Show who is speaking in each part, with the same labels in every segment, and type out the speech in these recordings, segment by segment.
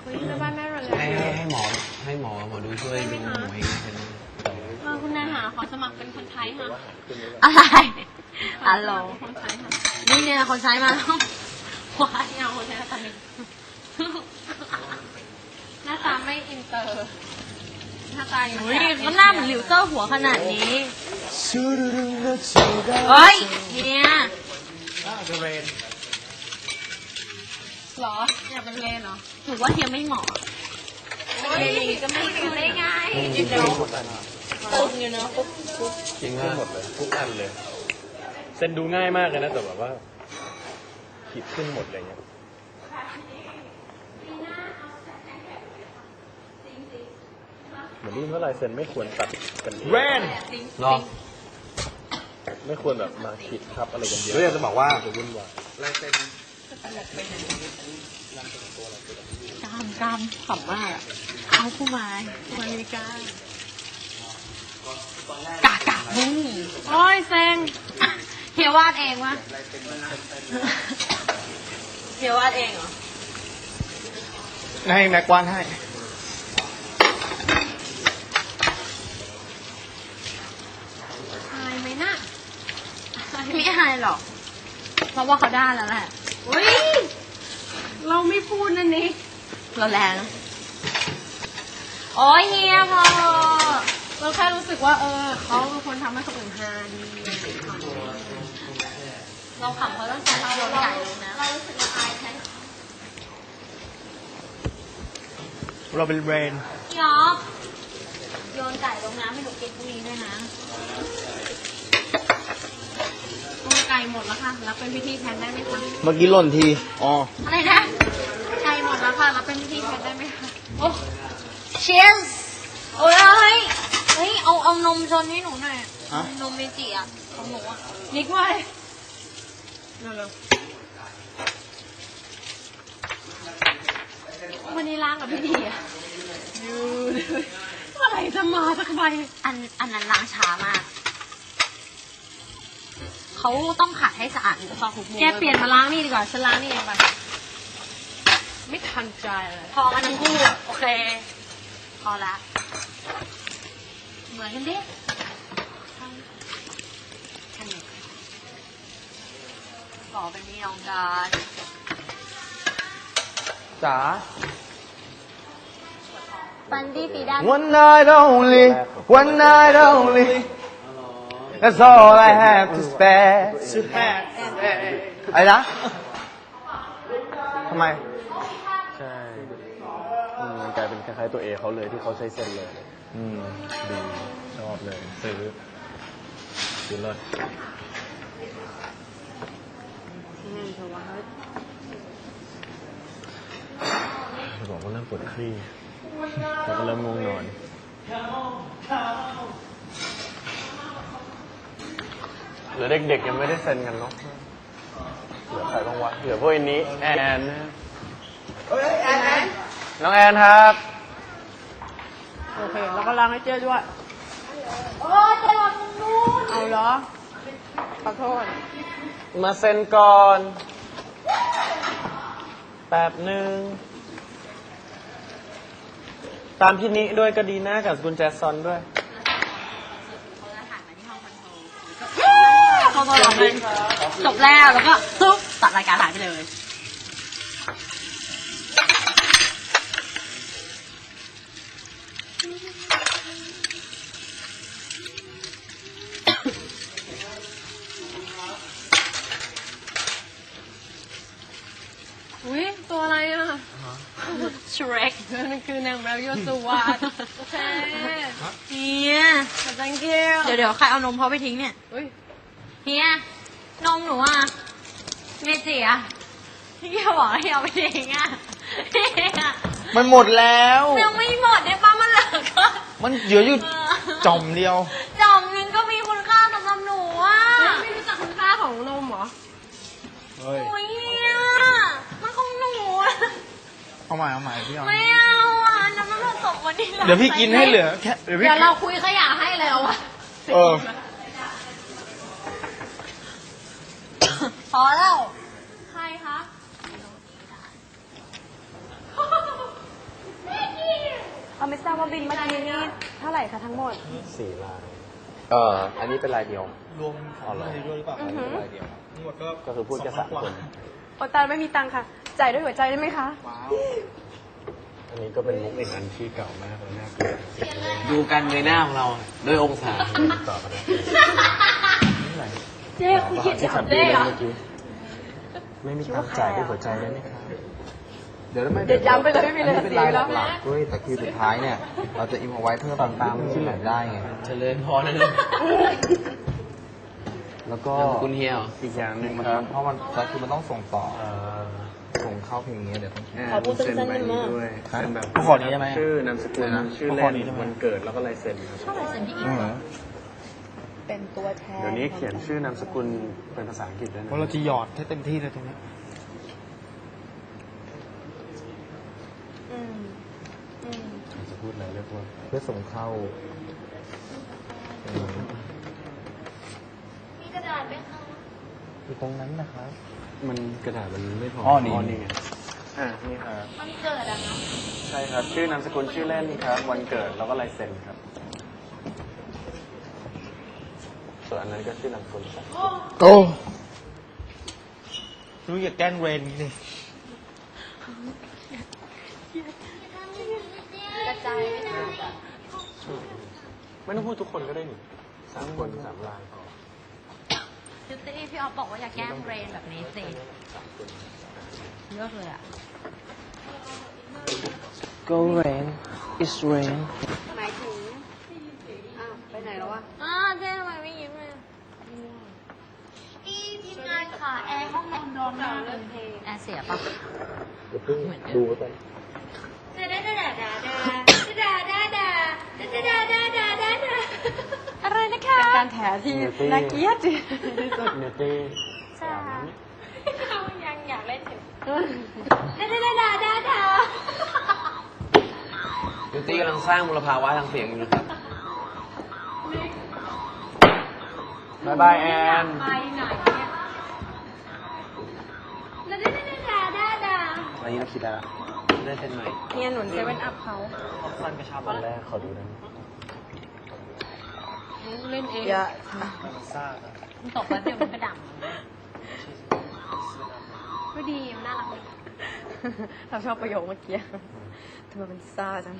Speaker 1: เฮ้ยแม่บ้านแม่เราเลย
Speaker 2: ให้หมอดูช่วยดูหมูเองเป็น
Speaker 1: คุณนายหาขอสมัครเป็นคนไทยค่ะ
Speaker 3: อะไรฮัลโหล
Speaker 1: คนไทยค่ะ
Speaker 3: นี่เนี่ยคนใช้มาแล้ว
Speaker 1: ว้ายเอาคนไทยตอนนี้หน้าตาไม่อินเตอร์หน้าตาอย่าง
Speaker 3: เฮ้ยมันหน้าเหมือนหลิวเจ้าหัวขนาดนี้เฮ้ยเนี่ย
Speaker 2: เรน
Speaker 1: หรออยากเป็นเลนเหรอ
Speaker 3: ถือว่าเฮียไม่เหมาะ
Speaker 1: เลนก็ไม่ดูได้ไง
Speaker 2: จริง
Speaker 1: ตึงอยู่เนาะ
Speaker 2: จริงหมดเลยทุกอันเลย
Speaker 4: เซ็นดูง่ายมากเลยนะแต่แบบว่าขีดขึ้นหมดอะไรเงี้ยเหมือนรุ่นเท่าไรเซ็นไม่ควรตัดกันเอง
Speaker 2: รอ
Speaker 4: ไม่ควรแบบมาขีดทับอะไรกันเยอะ
Speaker 2: แล้วอยากจะบอกว่า
Speaker 4: จะวุ่นวาย
Speaker 2: ลายเซ็น
Speaker 3: กามขำมากอะเอาคู่ไม้คู่อเมริกากากบุ้ง
Speaker 1: โอ้ยเซ็ง
Speaker 3: เฮียวาดเองวะเฮียวาดเองเหรอ
Speaker 2: ให้แม็กวานให้
Speaker 1: อายไหมน่ะ
Speaker 3: ไม่อายหรอก เพราะว่าเขาได้แล้วแหละ
Speaker 1: เฮ้ยเราไม่พูดนั่นนี่
Speaker 3: เราแรงโอ้ยเฮียพอ
Speaker 1: เราแค่รู้สึกว่าเขาเป็นคนทำให้คนอื่นฮาดี
Speaker 3: เราขำเขาตั้งแต่เราโดนไก่เลยนะ
Speaker 1: เรารู้สึกว่าอายแทน
Speaker 2: เราเป็นเรน
Speaker 3: พี่อ๋อโยนไก่ลงน้ำให้หนูกินพรุ่งนี้ด้วยนะ
Speaker 1: ตัวไก่หมดแล้วค่ะรับเป็นพิธีแทนได้ไหมคะ
Speaker 2: เมื่อกี้หล่นทีอ๋อ
Speaker 3: อะไรนะ
Speaker 1: ไก่หมดแล้วค่ะรับเป็นพิธีแทนได้ไหมคะ
Speaker 3: โอ้ cheers โอ้ยเฮ้ย เฮ้ย เอานมชนให้หนูหน่อย
Speaker 2: ฮะ
Speaker 3: นมเมจิอ่ะ ของหนูอ่ะ
Speaker 1: นิกไว้เร็วๆวันนี้ล้างกับพี่ดีอ่ะยูเลยเมื่อไหร่จะมาสักใบ
Speaker 3: อันนั้นล้างช้ามาก เขาต้องขัดให้สะอาดซอกทุกมุม
Speaker 1: แกเปลี่ยนมาล้างนี่ดีกว่าฉันล้างนี่เองไปไม่ทันใจเลย
Speaker 3: พอกันทั้งคู่โอเค พอละ เหมือนกันดิอันนี้ขอเป็นพี่น้องกัน
Speaker 2: จ๋า
Speaker 3: ฟันดี้ปีด้า
Speaker 2: One night only One night only That's all I have to spare อะไรนะทำไม
Speaker 4: ใช่มันกลายเป็นคล้ายๆตัวเอเขาเลยที่เขาใช้เซ็นเลยดีชอบเลยซื้อเลย บอกว่าเริ่มปวดคลี่แล้วก็เริ่มง่วงนอนเหลือเด็กๆยังไม่ได้เซ็นกันเนาะเหลือใครบ้างวะเหลือพวกอันนี้แอนนะน้องแอนครับ
Speaker 1: โอเคแล้วก็ล้างให้เจ๊ด้วย
Speaker 3: โอ้ยจะหลดนู้น
Speaker 1: เอาเหรอขอโทษ
Speaker 4: มาเซ็นก่อนแป๊บหนึ่งตามพี่นิด้วยก็ดีนะกับคุณแจซอนด้วย
Speaker 3: เขาบอกว่าจบแล้วแล้วก็ตุ๊บตัดรายการหายไปเลย
Speaker 1: อุ้ยตัวอะไรอ่ะ
Speaker 3: ชเรก
Speaker 1: นั่นคือนางแมวโยสวัสดโอเค
Speaker 3: เฮีย
Speaker 1: thank you
Speaker 3: เดี๋ยวใครเอานมเขาไปทิ้งเนี่ย
Speaker 1: อุ้ย
Speaker 3: เฮียนมหนูอ่ะเมจิอ่ะเฮียบอกให้เอาไปทิ้งอ่ะเฮีย
Speaker 2: มันหมดแล้ว
Speaker 3: ยังไม่หมดได้ป้ามันเหลือก็
Speaker 2: มันเหลืออยู่จ่อมเดียว
Speaker 3: จอมนึงก็มีคุณค่าสำหรับหนูอ่ะ
Speaker 1: ไม่รู้จักคุณค่าของนมเหรอ
Speaker 2: เฮ้ย
Speaker 3: โอ้ยเฮียมันของหนูอะ
Speaker 2: เอาใหม่พี่เอา
Speaker 3: ไม่เอาอ่ะน้ำมันผสมวันนี้
Speaker 2: เดี๋ยวพี่กินให้เหลือแค่เดี๋ยวพี่
Speaker 1: เดี๋ยวเราคุยขยะให้แล้วอ่ะ
Speaker 2: เออ
Speaker 3: พอแล้ว
Speaker 1: ใครคะไม่ทราบว่าบินเมื่อกี้นี่เท่าไหร่คะทั้งหมด
Speaker 4: 4 ลาย
Speaker 2: อันนี้เป็นลายเดียว
Speaker 5: รวมอะไรด้วยหรือเปล่า
Speaker 1: อือหือ
Speaker 2: ลายเดียว
Speaker 5: ทั้งหมดก็
Speaker 4: ก็คือพูดแค่3 คน
Speaker 1: โอตาไม่มีตังค์ค่ะ จ่ายด้วยหัวใจได้ไหมคะ
Speaker 5: ว้าว
Speaker 4: อันนี้ก็เป็นมุกอีกอันที่เก่ามากแล้วน่าเกลียด
Speaker 2: ดูกันในหน้าของเราด้วยองศา
Speaker 4: ต่อกันนะ
Speaker 3: เจ๊คุณคิด
Speaker 4: ที่
Speaker 3: จะ
Speaker 4: ขับ
Speaker 3: ทำ
Speaker 4: ดี
Speaker 3: ได้
Speaker 4: เลย
Speaker 3: เหรอ
Speaker 4: เมื่อกี้ไม่มีตังค์จ่ายด้วยหัวใจได้ไหมครับ
Speaker 2: เดี๋ยวไม่
Speaker 1: เดี๋ยวย้ำไปเลยไม่มีเลย
Speaker 2: เป็น
Speaker 1: สี
Speaker 2: ลาย
Speaker 1: แล้ว
Speaker 2: หลักๆด้วยแต่คิวสุดท้ายเนี่ย เราจะอิมเอาไว้เพื่อตามที่ไหนได้ไงเจริญพรนะเนี่ย
Speaker 4: แล้วก็
Speaker 2: คุณเฮีย
Speaker 4: อีกอย่างหนึ่ง
Speaker 2: มัน
Speaker 4: ครับ
Speaker 2: เพราะมันก็คือมันต้องส่งต่อ
Speaker 4: เอ่อ
Speaker 2: ส่งเข้าเพลงนี้เดี๋ยวต้อง
Speaker 3: ขอพูดสั้นๆได้ไหม
Speaker 4: ด้วยเซ็นแบบ
Speaker 5: ขอนี้ได้ไหม
Speaker 4: ชื่อนามสกุลชื่อเล่นวันเกิดแล้วก็ลายเซ็นครับ
Speaker 3: ชอบลายเซ็นพี่อี
Speaker 2: อื
Speaker 3: ก
Speaker 2: ม
Speaker 1: เป็นตัวแทน
Speaker 4: เดี๋ยวนี้เขียนชื่อนามสกุลเป็นภาษาอังกฤษด้วย
Speaker 5: เพ
Speaker 4: นะ
Speaker 5: ราะเราจะหยอดให้เต็มที่เลยตรงนี้
Speaker 1: อืมอืม
Speaker 4: จะพูดอะไรเรียกว่า
Speaker 2: เพื่อส่งเข้า
Speaker 3: มีกระดาษไหมคะ
Speaker 2: อยู่ตรงนั้นนะครับ
Speaker 4: มันกระดาษมันไม่พอ
Speaker 2: อ๋อนี่
Speaker 4: ไงนี่ครับ
Speaker 3: มันเกิดอะคะ
Speaker 4: ใช่ครับ ชื่อนามสกุลชื่อเล่นครับ วันเกิดแล้วก็ลายเซ็นครับ ส่วนอันนั้นก็ชื่อนามสกุลครับ
Speaker 2: โอ้
Speaker 5: รู้อย่าแกล้งเรนนี่
Speaker 3: กระจายไหมคะ
Speaker 4: ไม่ต้องพูดทุกคนก็ได้นี่3 คน3 ลายพอ
Speaker 3: ยูตี้พี่ออฟบอกว่าอย่าแกล้งเรนแบบนี้สิเลือกเลยอะ
Speaker 2: Go rain it's rain
Speaker 1: หมายถึงอ้าวไปไหนแล้ววะ
Speaker 3: เจ๊ทำไมไม่ยิ้มเลยอีทีมงานค่ะแอร์ห้องนอนร้อนมากเลยแอร์เสียปะ
Speaker 4: เดี๋ยวเพิ่งดูไว้ก่อน
Speaker 3: อะไรนะคะ
Speaker 1: การแถที่น่าเกลียดที่สุด
Speaker 4: เนตี้
Speaker 3: จ้าเขายังอยากเล่นถึง
Speaker 2: ยูตี้กำลังสร้างมลภาวะทางเสียงอยู่นะครับ
Speaker 4: บายบายแอน
Speaker 3: ไปไหนเนี่ย
Speaker 2: อันนี้เราคิดแล้วได้เส้นใหม่
Speaker 1: เนี่ยหนุนเซเว่นอัพเขา
Speaker 5: สั้นกระชับ
Speaker 4: ตอนแรกขอดูนะ
Speaker 3: เล่นเอง
Speaker 1: เยอะ
Speaker 5: ซ่าอะ
Speaker 3: มันตกแล้วเดี๋ยวมันกระดับก็ดีมันน่ารักดี
Speaker 1: เราชอบประโยคเมื่อกี้ทำไมมันซ่าจัง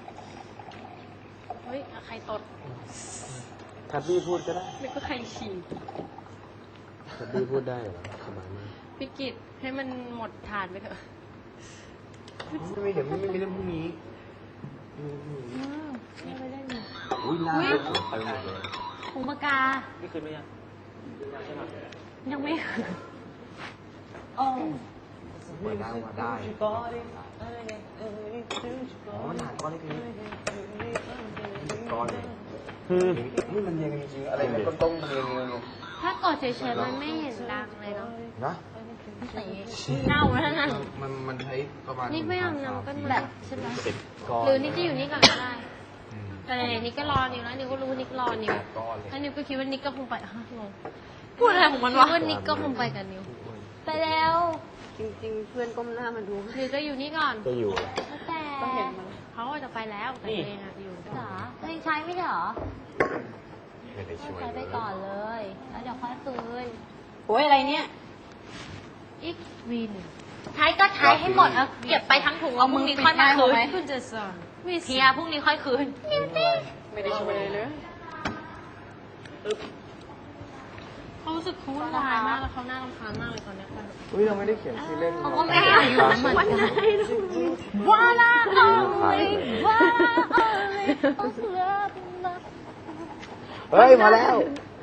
Speaker 3: เฮ้ยใครตด
Speaker 4: ทับบี้พูดก็ได้
Speaker 3: ไม่ก็ใครฉี่
Speaker 4: ทับบี้พูดได้เหรอสบายมาก
Speaker 3: พี่กิตให้มันหมดทานไปเถอะ
Speaker 2: ไม่เดี๋ยวไม่มีเรื่องพวกนี้
Speaker 3: ไม่ไปเล่นเลย
Speaker 2: อุ้ยลา
Speaker 3: อุ๊ย
Speaker 2: ไปหมดเลย
Speaker 3: หูปากกา
Speaker 5: นี่คืนไหมยัง
Speaker 3: ยังไม่โอ้
Speaker 2: เปิดได้ว่าได้อ๋อมันหนาก้อนนี่คือก้อนเลยนี่มันเรียงกันจริงๆอะไรเป็นต้นๆมันเรียงๆเนี่ย
Speaker 3: ถ้ากดเฉยๆมันไม่เห็นดังเลยเนาะ
Speaker 2: นะ
Speaker 3: สีเน่าแล้วนะ
Speaker 2: มันใช้ประมาณ
Speaker 3: นี่ไม่เอาน้ำก็แบบใช่ไหม
Speaker 4: ก้อน
Speaker 3: หรือนี่จะอยู่นี่ก่อนก็ได้ แต่ไหนๆนี่ก็รอนิวแล้วนิวก็รู้ว่านิกรอนิว
Speaker 2: ก้อนเลย
Speaker 3: แล้วนิวก็คิดว่านิกก็คงไปฮะงงพูดอะไรของมันวะคิดว่านิกก็คงไปกับนิว ไปแล้ว
Speaker 1: จริงๆ เพื่อนก้มหน้ามาดู
Speaker 3: หรือจะอยู่นี่ก่อน
Speaker 4: ก็อยู่แหละ
Speaker 3: แล้วแต่
Speaker 1: ก็เห็นมัน
Speaker 3: เขาก็จะไปแล้วแต่ตัวเองอะอยู่เหรอตัวเองใช้ไม่ใช่เหรอ
Speaker 4: ไม่ได้ช่วย
Speaker 3: ใช้ไปก่อนเลย แล้วเดี๋ยวค่อยคืน
Speaker 1: โอ้ยอะไรเนี่ย
Speaker 3: อีกวินใช้ก็ใช้ให้หมดเอาเก็บไปทั้งถุงเอาพรุ่งนี้ค่อยมาคืนคุณจะสอนเพียพรุ่งนี้ค่อยคืน
Speaker 1: ไม่ได้ช่วยเลยเลย
Speaker 3: เขารู้สึกเขาวุ่นวายมากแล้วเขาน่ารำคาญมากเลยตอนเนี้ย
Speaker 2: อุ้ยเราไม่ได้เขียนชื่อเล่น
Speaker 3: เขาก็ไม่อยากอยู่เหมือนกันว่าละเอาเลยว่าละเอาเลย
Speaker 2: เฮ้ย มาแล้ว
Speaker 3: ว